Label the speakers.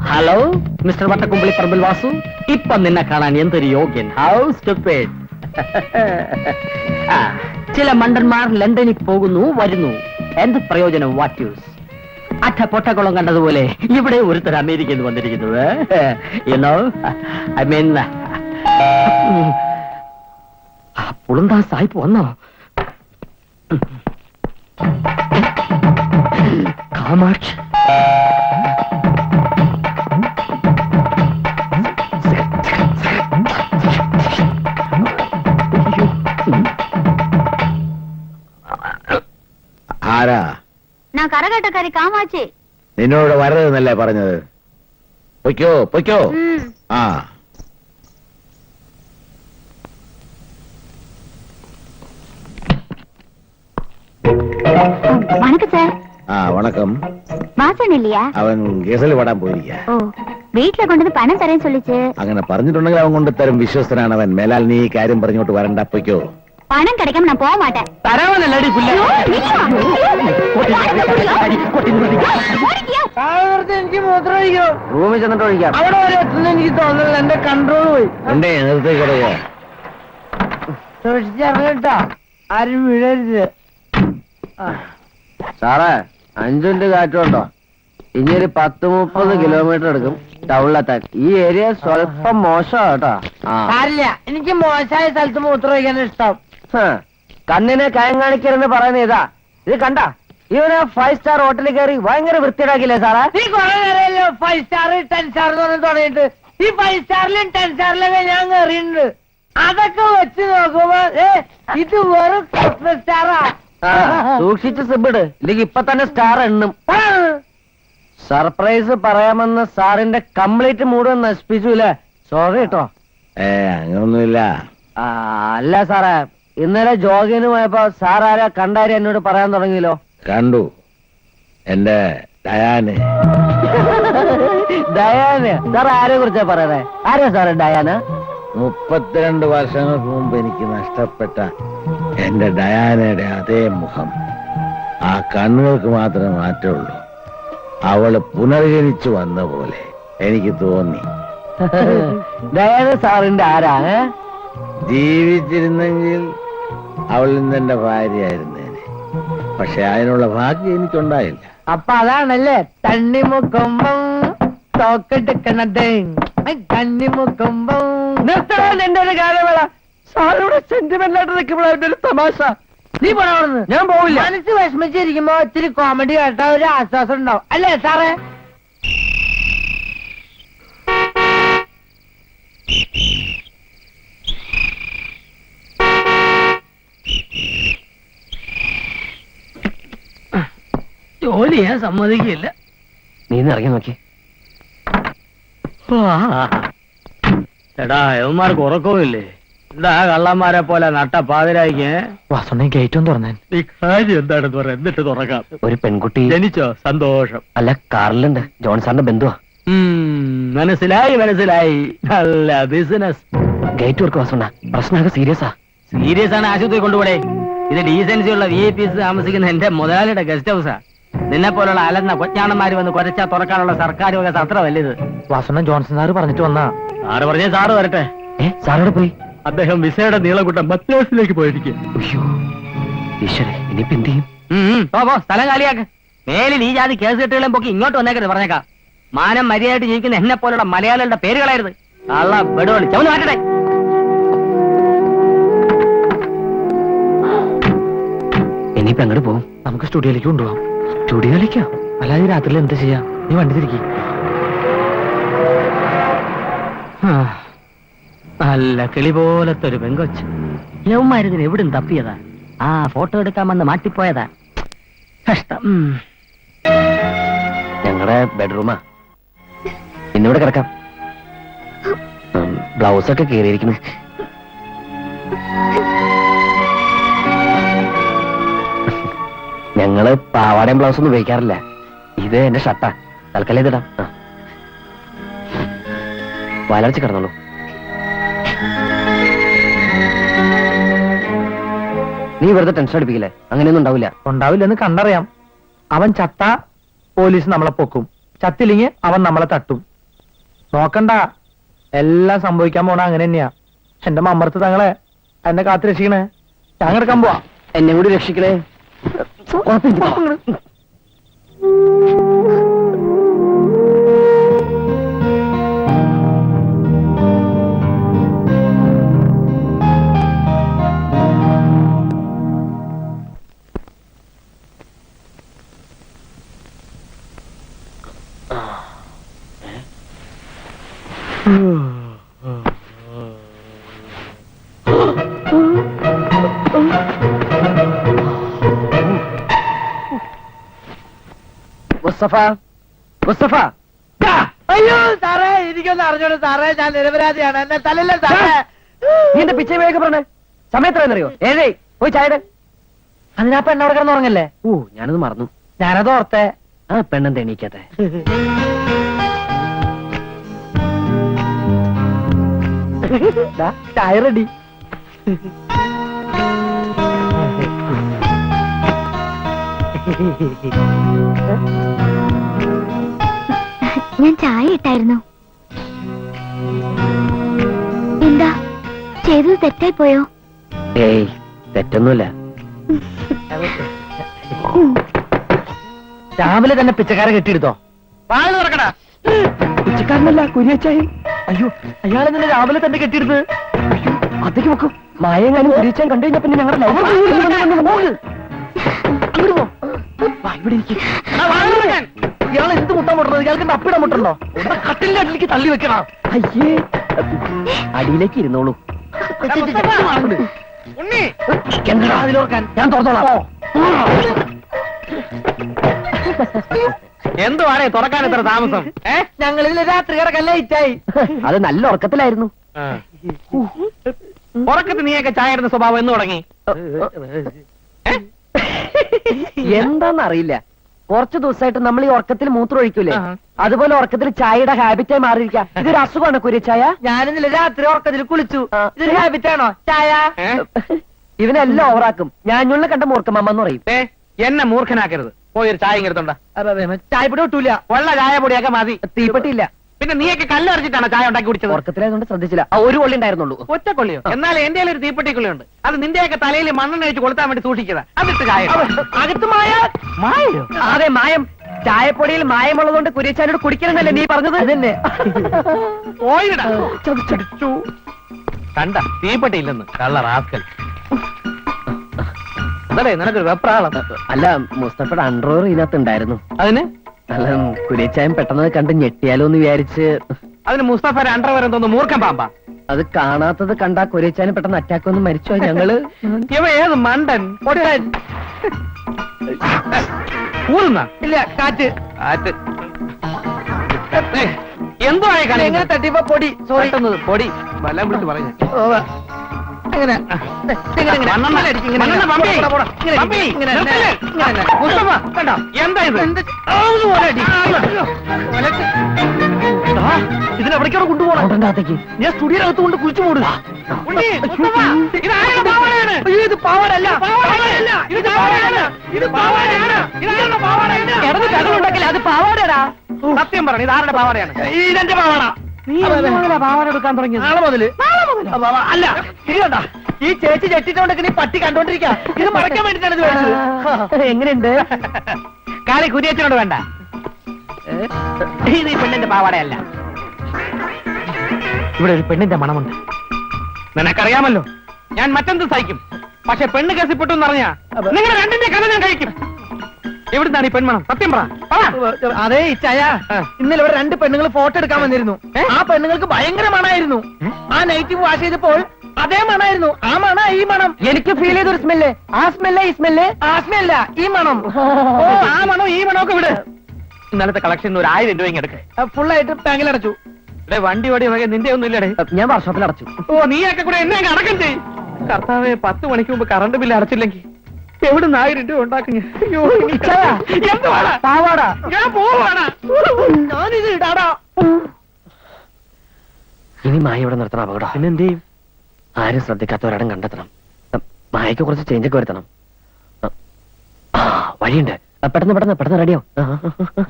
Speaker 1: Hello mister Vattakkumbali Parambil Vasu. ഇപ്പൊ നിന്നെ കാണാൻ എന്തൊരു യോഗ്യൻ. How stupid. ചില മണ്ടന്മാർ ലണ്ടനിൽ പോകുന്നു വരുന്നു. എന്ത് പ്രയോജനം? What use? അറ്റ പൊട്ടക്കുളം കണ്ടതുപോലെ ഇവിടെ ഒരുത്തർ അമേരിക്കയിൽ നിന്ന് വന്നിരിക്കുന്നത്. യുനോ ഐ മീൻ പുളുന്താ സായിപ്പ് വന്നോ? കാമാക്ഷി
Speaker 2: ആരാ?
Speaker 3: ഞാൻ കരകട്ടക്കാരി കാമാച്ചി.
Speaker 2: നിന്നോട് വരരുതെന്നല്ലേ പറഞ്ഞത്? പൊയ്ക്കോ പൊയ്ക്കോ. ആ
Speaker 3: വണക്കം സാർ.
Speaker 2: ആ വണക്കം.
Speaker 3: വാസൻ இல்லையா?
Speaker 2: അവൻ ഗസൽ പാടാൻ പോയിരിക്ക.
Speaker 3: ഓ വീട്ടിലെ കൊണ്ടുവന്ന് പണം തരാൻ ചൊല്ലിച്ച്.
Speaker 2: അങ്ങനെ പറഞ്ഞിട്ടുണ്ടെങ്കിൽ അവൻ കൊണ്ട് തരും. വിശ്വസ്തനാണ് അവൻ. മേലാൽ നീ ഈ കാര്യം പറഞ്ഞോട്ട് വരണ്ട. പൊയ്ക്കോ.
Speaker 3: പണം கிடைக்காம நான் போக மாட்டேன்.
Speaker 1: തരാവനല്ലടി പുല്ല.
Speaker 4: എനിക്ക് മൂത്രം ഒഴിക്കോ?
Speaker 1: റൂമിൽ ചെന്നിട്ട് ഒഴിക്കാം.
Speaker 4: അവിടെ വരെ എത്തുന്ന എനിക്ക് തോന്നുന്നില്ല. എന്റെ കൺട്രോൾ പോയി.
Speaker 2: എന്തേ നിർത്തി കൊടുക്ക.
Speaker 4: സൂക്ഷിച്ചിറങ്ങട്ടാ, ആരും വീഴരുത്.
Speaker 1: സാറേ 5 മിനിറ്റ് കാറ്റുണ്ടോ? ഇനി ഒരു 10-30 കിലോമീറ്റർ എടുക്കും ടൗണിലെത്താൻ. ഈ ഏരിയ സ്വല്പം മോശമാണ് കേട്ടോ.
Speaker 4: സാരില്ല, എനിക്ക് മോശമായ സ്ഥലത്ത് മൂത്രം ഒഴിക്കാൻ ഇഷ്ടം.
Speaker 1: കണ്ണിനെ കയം കാണിക്കരുന്ന് പറയുന്ന ഇതാ. ഇത് കണ്ട ഇവന് 5 സ്റ്റാർ ഹോട്ടലിൽ കയറി ഭയങ്കര വൃത്തിയിടാക്കില്ലേ സാറേ?
Speaker 4: നീ കുറെ നേരമല്ലോ 5 സ്റ്റാർ 10 സ്റ്റാർ എന്ന് പറഞ്ഞ് തുടങ്ങിയിട്ട്. ഈ 5 സ്റ്റാറിലും 10 സ്റ്റാറിലൊക്കെ ഞാൻ കയറിയിട്ടുണ്ട്. അതൊക്കെ വെച്ച് നോക്കുമ്പോ ഇത് വെറും സ്റ്റാറാ.
Speaker 1: സൂക്ഷിച്ച് സിബിട്, ഇല്ലെങ്കിൽ ഇപ്പൊ തന്നെ സ്റ്റാർ എണ്ണും. സർപ്രൈസ് പറയാമെന്ന് സാറിന്റെ കംപ്ലീറ്റ് മൂഡ് നശിപ്പിച്ചുല്ലേ? സോറി കേട്ടോ.
Speaker 2: അങ്ങനൊന്നുമില്ല.
Speaker 1: അല്ല സാറേ, ഇന്നലെ ജോഗിന് പോയപ്പോ സാർ ആരാ കണ്ടാരി എന്നോട് പറയാൻ തുടങ്ങിയല്ലോ.
Speaker 2: കണ്ടു, എന്റെ ഡയാന്.
Speaker 1: ഡയാന്? സാർ ആരെ കുറിച്ചാ പറയുന്നേ? ആരാ സാറേ ഡയാന്?
Speaker 2: 32 വർഷങ്ങൾക്ക് മുമ്പ് എനിക്ക് നഷ്ടപ്പെട്ട എന്റെ ഡയാനയുടെ അതേ മുഖം. ആ കണ്ണുകൾക്ക് മാത്രമേ മാറ്റമുള്ളൂ. അവള് പുനർജനിച്ചു വന്ന പോലെ എനിക്ക് തോന്നി.
Speaker 1: ഡയാന സാറിന്റെ ആരാ?
Speaker 2: ജീവിച്ചിരുന്നെങ്കിൽ അവൾ ഇന്ന് എന്റെ ഭാര്യയായിരുന്നേനെ. പക്ഷെ അതിനുള്ള ഭാഗ്യം എനിക്കുണ്ടായില്ല.
Speaker 4: അപ്പൊ അതാണല്ലേ തണ്ണിമുക്കുമ്പം തോക്കെടുക്കണത്. തണ്ണിമുക്കുമ്പം
Speaker 1: എന്റെ ഒരു കാര്യമേള. സാറിവിടെ സെന്റിമെന്റ് ആയിട്ട് നിൽക്കുമ്പോഴാണ് ഒരു തമാശ.
Speaker 4: നീ പോണവർന്ന്.
Speaker 1: ഞാൻ പോവില്ല.
Speaker 4: മനസ്സ് വിഷമിച്ചിരിക്കുമ്പോ ഇത്തിരി കോമഡി കേട്ടാ ഒരു ആശ്വാസം ഉണ്ടാവും, അല്ലേ സാറേ?
Speaker 1: ജോലി ഞാൻ സമ്മതിക്കില്ല. നീ ഇറങ്ങി നോക്കി. എടാ യവന്മാർക്ക് ഉറക്കവുമില്ലേ? എന്താ കള്ളന്മാരെ പോലെ നട്ട പാതിരായിക്ക്?
Speaker 5: വാസുണ്ണി ഗേറ്റും തുറന്നേൻ.
Speaker 1: ഈ കാര്യം എന്താണെന്ന് പറയാം, എന്നിട്ട് തുറക്കാം.
Speaker 5: ഒരു പെൺകുട്ടി
Speaker 1: ജനിച്ചോ? സന്തോഷം.
Speaker 5: അല്ല, കാറിലുണ്ട്. ജോൺ സാറിന്റെ ബന്ധുവാ.
Speaker 1: മനസ്സിലായി മനസ്സിലായി. നല്ല ബിസിനസ്.
Speaker 5: Gate work വാസുണ്ണ. പ്രശ്നമൊക്കെ സീരിയസാ.
Speaker 1: സീരിയസ് ആണ്, ആശുപത്രി കൊണ്ടുപോടേ. ഇത് ഡീസൻസി ഉള്ള VIP താമസിക്കുന്ന എന്റെ മുതലാളിയുടെ ഗസ്റ്റ് ഹൗസാ. നിന്നെ പോലുള്ള അലന്ന കൊച്ചാണന്മാര് വന്ന് കൊരച്ചാ തുറക്കാനുള്ള സർക്കാർ വക സത്രമല്ല ഇത്.
Speaker 5: വാസുണ്ണ ജോൺസൺ സാറ് പറഞ്ഞിട്ട് വന്നാ.
Speaker 1: സാറ് പറഞ്ഞേ സാറ് വരട്ടെ.
Speaker 5: സാറോട് പോയി.
Speaker 1: അദ്ദേഹം വിസയുടെ നീളകൂട്ടം മദ്രാസിലേക്ക് പോയിരിക്കും.
Speaker 5: ഈശ്വരേ, ഇനിയിപ്പോ എന്ത് ചെയ്യും?
Speaker 1: പോ സ്ഥലം കാലിയാക്ക്. മേലിൽ ഈ ജാതി കേസ് കെട്ടുകളും പൊക്കി ഇങ്ങോട്ട് വന്നേക്കരുത് പറഞ്ഞേക്കാം. മാനം മര്യാദയായിട്ട് ജീവിക്കുന്ന എന്നെ പോലുള്ള മലയാളികളുടെ പേരുകളായിരുന്നു. കള്ള ബെടുവളി ചവന്ന് മാറ്റട്ടെ.
Speaker 5: ഇനിയിപ്പോ എങ്ങോട്ട് പോകും? നമുക്ക് സ്റ്റുഡിയോയിലേക്ക് കൊണ്ടുപോകാം. സ്റ്റുഡിയോയിലേക്കോ? അല്ലാതെ രാത്രിയിൽ എന്താ ചെയ്യാ? നീ വണ്ടി തിരിക്കി.
Speaker 1: നല്ല കിളി പോലത്തെ ഒരു പെങ്കൊച്ച്. യവന്മാരിതിന് എവിടും തപ്പിയതാ? ഫോട്ടോ എടുക്കാൻ വന്ന് മാറ്റിപ്പോയതാ. കഷ്ടം.
Speaker 5: ഞങ്ങളുടെ ബെഡ്റൂമാ. ഇന്നിവിടെ കിടക്കാം. ബ്ലൗസൊക്കെ കീറിയിരിക്കുന്നു. ഞങ്ങള് പാവാടയും ബ്ലൗസൊന്നും ഉപയോഗിക്കാറില്ല. ഇത് എന്റെ ഷർട്ടാ. തൽക്കാലം ഇതിടാം. വലർച്ച കിടന്നോളൂ. നീ വെറുതെ ടെൻഷൻ അടിപ്പിക്കില്ലേ? അങ്ങനെയൊന്നും ഉണ്ടാവില്ല.
Speaker 4: ഉണ്ടാവില്ലെന്ന് കണ്ടറിയാം. അവൻ ചത്ത പോലീസ് നമ്മളെ പൊക്കും, ചത്തില്ലെങ്കിൽ അവൻ നമ്മളെ തട്ടും.
Speaker 5: നോക്കണ്ട, എല്ലാം സംഭവിക്കാൻ പോണ അങ്ങനെ തന്നെയാ. എന്റെ മമ്മർത്ത് തങ്ങളെ എന്നെ കാത്തു രക്ഷിക്കണേ. ഞാൻ കിടക്കാൻ പോവാ.
Speaker 1: എന്നെ കൂടി രക്ഷിക്കണേ. മുസ്തഫ, മുസ്തഫ,
Speaker 4: അയ്യോ സാറേ, എനിക്കൊന്ന് അറിഞ്ഞോളൂ സാറേ, ഞാൻ നിരപരാധിയാണ്, എന്നെ തലല്ലേ സാറേ.
Speaker 1: നീ എന്റെ പിച്ചை വേഗം പറഞ്ഞേ. സമയത്രയെന്നറിയോ? 7 പോയി ചായയുടെ.
Speaker 4: അതിനാ പെണ്ണവിടെ കിടന്നുറങ്ങല്ലേ?
Speaker 1: ഓ, ഞാനത് മറന്നു.
Speaker 4: ഞാനത് ഓർത്തെ.
Speaker 1: ആ പെണ്ണെന്താ എണീക്കാത്തെ?
Speaker 4: ചായ റെഡി.
Speaker 3: ഞാൻ ചായ ഇട്ടായിരുന്നു. എന്താ ചെയ്തത് തെറ്റായി പോയോ?
Speaker 1: ഏയ്, തെറ്റൊന്നുമില്ല.
Speaker 4: രാവിലെ തന്നെ പിച്ചക്കാരെ കെട്ടിയെടുത്തോ? വാഴ തുറക്കടാ.
Speaker 1: പിച്ചക്കാരനല്ല, കുരിയച്ചായി.
Speaker 4: അയ്യോ, അയാളെ തന്നെ രാവിലെ തന്നെ കെട്ടിയെടുത്ത്.
Speaker 1: അതേക്ക് വെക്കും. മായങ്ങാനും കുരിയച്ചാൻ കണ്ടു കഴിഞ്ഞാ പിന്നെ ഞങ്ങളുടെ
Speaker 4: ഇയാൾ എന്ത് മുട്ടാൻ മുട്ടുന്നത്? ഇയാൾക്ക് അപ്പിടാൻ മുട്ടുണ്ടോ? കട്ടിലിന്റെ അടിയിലേക്ക് തള്ളി വെക്കണം.
Speaker 1: അയ്യേ, അടിയിലേക്ക് ഇരുന്നോളൂ.
Speaker 4: എന്താ അതിലോർക്കാൻ?
Speaker 1: ഞാൻ തുറന്നോളാം.
Speaker 5: എന്തുവാണേ തുറക്കാൻ എത്ര താമസം?
Speaker 4: ഞങ്ങളിൽ രാത്രി കിടക്കാൻ ലേറ്റായി.
Speaker 1: അത് നല്ല ഉറക്കത്തിലായിരുന്നു.
Speaker 5: ഉറക്കത്ത് നീയൊക്കെ ചായ ഇടുന്ന സ്വഭാവം എന്ന് തുടങ്ങി?
Speaker 1: എന്താന്നറിയില്ല, കുറച്ചു ദിവസമായിട്ട് നമ്മൾ ഈ ഉറക്കത്തിൽ മൂത്രം ഒഴിക്കൂലേ, അതുപോലെ ഉറക്കത്തിൽ ചായയുടെ ഹാബിറ്റായി മാറിയിരിക്കാം. ഇതൊരു അസുഖമാണ് കുരിച്ചായ.
Speaker 4: ഞാനിന്നലെ രാത്രി ഉറക്കത്തിൽ കുളിച്ചു. ഇതൊരു ഹാബിറ്റ് ആണോ ചായ?
Speaker 1: ഇവനെല്ലാം ഓവറാക്കും. ഞാനുള്ള കണ്ട മൂർഖമ്മ എന്ന് പറയും.
Speaker 5: എന്നെ മൂർഖനാക്കരുത്. പോയൊരു ചായ ഇങ്ങെടുത്തോണ്ട.
Speaker 4: ചായപ്പൊടി ഒട്ടൂല.
Speaker 5: വെള്ള ചായ പൊടിയൊക്കെ മതി.
Speaker 1: തീപ്പെട്ടിയില്ല.
Speaker 5: പിന്നെ നീയൊക്കെ കല്ലറിച്ചിട്ടാണ് ചായ ഉണ്ടാക്കി കുടിച്ചത്.
Speaker 1: ഉറക്കത്തിലായതുകൊണ്ട് ശ്രദ്ധിച്ചില്ല. ഒരു കൊള്ളി ഉണ്ടായിരുന്നുള്ളൂ.
Speaker 5: ഒറ്റക്കൊള്ളിയോ? എന്നാൽ എന്റെ ഒരു തീപ്പെട്ടിക്കൊള്ളിയുണ്ട്. അത് നിന്റെയൊക്കെ തലയിൽ മണ്ണെണ്ണ ഒഴിച്ച് കൊളുത്താൻ വേണ്ടി സൂക്ഷിച്ചതാ. അതിട്ട് ചായ
Speaker 4: അകത്ത് മായ.
Speaker 5: മായോ?
Speaker 1: അതെ, മായം. ചായപ്പൊടിയിൽ മായമുള്ളതുകൊണ്ട് കുരിച്ചാനോട് കുടിക്കണമെന്നല്ലേ നീ പറഞ്ഞത്? അതന്നെ.
Speaker 5: പോയിടാ. ചതിച്ചടിച്ചു. കണ്ട തീപ്പെട്ടിയില്ലെന്ന് കള്ള റാസ്കൽ. അതല്ലേ നിനക്കൊരു വെപ്രാളം?
Speaker 1: അല്ല, മുസ്തഫയുടെ അണ്ടർവെയർ ഇതിനകത്ത് ഉണ്ടായിരുന്നു.
Speaker 5: അതിന്
Speaker 1: അല്ല, കുരിച്ചായൻ പെട്ടെന്ന് കണ്ട് ഞെട്ടിയാലോ എന്ന് വിചാരിച്ച്.
Speaker 5: അതിന് മുസ്തഫ അണ്ടർവെയർ എന്തോന്ന് മൂർഖൻ പാമ്പാ?
Speaker 1: അത് കാണാത്തത് കണ്ടാ കുരിച്ചാനും പെട്ടെന്ന് അറ്റാക്ക് വന്ന് മരിച്ചോ ഞങ്ങള്.
Speaker 5: ഇവ ഏത് മണ്ടൻ പൊട്ടൻ? ഊറുന്ന
Speaker 4: ഇല്ല, കാറ്റ്.
Speaker 5: കാറ്റ്. എന്തോ ആയ കളി?
Speaker 4: എങ്ങനെ തട്ടിപ്പോ പൊടി. സോറി.
Speaker 5: പൊടി വല്ലം വിളിച്ച് പറഞ്ഞു.
Speaker 4: എങ്ങനെ
Speaker 5: എന്താ ഇത്?
Speaker 4: ഇതിനെവിടേക്കാണ് കൊണ്ടുപോകണം? ഞാൻ സ്റ്റുഡിയോനകത്ത് കൊണ്ട് കുഴിച്ചു മൂടുക. ഇത് പാവാടല്ല.
Speaker 1: അത് പാവാടടാ.
Speaker 5: സത്യം പറഞ്ഞു, ഇത് ആരുടെ പാവാടയാണ്?
Speaker 4: ഇതെന്റെ പാവാട.
Speaker 5: നീ പാവാട എടുക്കാൻ തുടങ്ങി?
Speaker 4: നാളെ മുതല്. അല്ല, ഇത് കണ്ട, ഈ ചേച്ചി ചെട്ടിട്ടോണ്ടൊക്കെ നീ പട്ടി കണ്ടോണ്ടിരിക്കാം. ഇത് മറക്കാൻ വേണ്ടിട്ടാണ് ഇത് മേടിച്ചത്.
Speaker 1: എങ്ങനെയുണ്ട്?
Speaker 5: കാലി കുരിയച്ചനോട് വേണ്ട. ഇത് ഈ പെണ്ണിന്റെ പാവാടയല്ല. ഇവിടെ ഒരു പെണ്ണിന്റെ മണമുണ്ട്. നിനക്കറിയാമല്ലോ, ഞാൻ മറ്റെന്ത് സഹിക്കും. പക്ഷെ പെണ്ണ് കേസിപ്പെട്ടു എന്നറിഞ്ഞാ നിങ്ങൾ രണ്ടിന്റെ കഥ ഞാൻ കഴിക്കും. എവിടുന്നാണ് ഈ പെൺമണം? സത്യം പറ.
Speaker 4: അതെ ഇച്ചായ, ഇന്നലെ ഇവിടെ 2 പെണ്ണുങ്ങൾ ഫോട്ടോ എടുക്കാൻ വന്നിരുന്നു. ആ പെണ്ണുങ്ങൾക്ക് ഭയങ്കര മണായിരുന്നു. ആ നെഗറ്റീവ് വാഷ് ചെയ്തപ്പോൾ അതേ മണായിരുന്നു. ആ മണ ഈ മണം
Speaker 1: എനിക്ക് ഫീൽ ചെയ്തൊരു സ്മെല്ല്. ആ സ്മെല്ലേ ഈ സ്മെല്ല്?
Speaker 4: ആ സ്മെല്ല ഈ മണം.
Speaker 5: ഓ, ആ മണോ ഈ മണോ ഒക്കെ വിട്. ഇന്നലത്തെ കളക്ഷൻ 1000 രൂപ എടുക്ക.
Speaker 4: ഫുള്ളായിട്ട് ബാങ്കിൽ അടച്ചു.
Speaker 5: ഇവിടെ വണ്ടി വടി വകെ നിന്റെ ഒന്നും ഇല്ലടേ.
Speaker 1: ഞാൻ വർഷോപ്പിൽ അടച്ചു.
Speaker 5: ഓ, നീയൊക്കെ കൂടെ എന്നെ അടക്കം ചെയ്യും. കർത്താവെ, 10 മണിക്ക് മുമ്പ് കറണ്ട് ബില്ല് അടച്ചില്ലെങ്കിൽ എവിടുന്ന് 1000 രൂപ ഉണ്ടാക്കും ഞാൻ?
Speaker 1: പാവാട.
Speaker 5: ഞാൻ പോവാണ്.
Speaker 4: ഞാനിത് ഇടാടാ.
Speaker 1: ഇനി മായ ഇവിടെ നിർത്തണം. അപകടം.
Speaker 5: പിന്നെന്ത് ചെയ്യും?
Speaker 1: ആരും ശ്രദ്ധിക്കാത്തവരടം കണ്ടെത്തണം. മായക്ക് കുറച്ച് ചേഞ്ചൊക്കെ വരുത്തണം. വഴിയുണ്ട്. പെട്ടെന്ന് റെഡിയോ.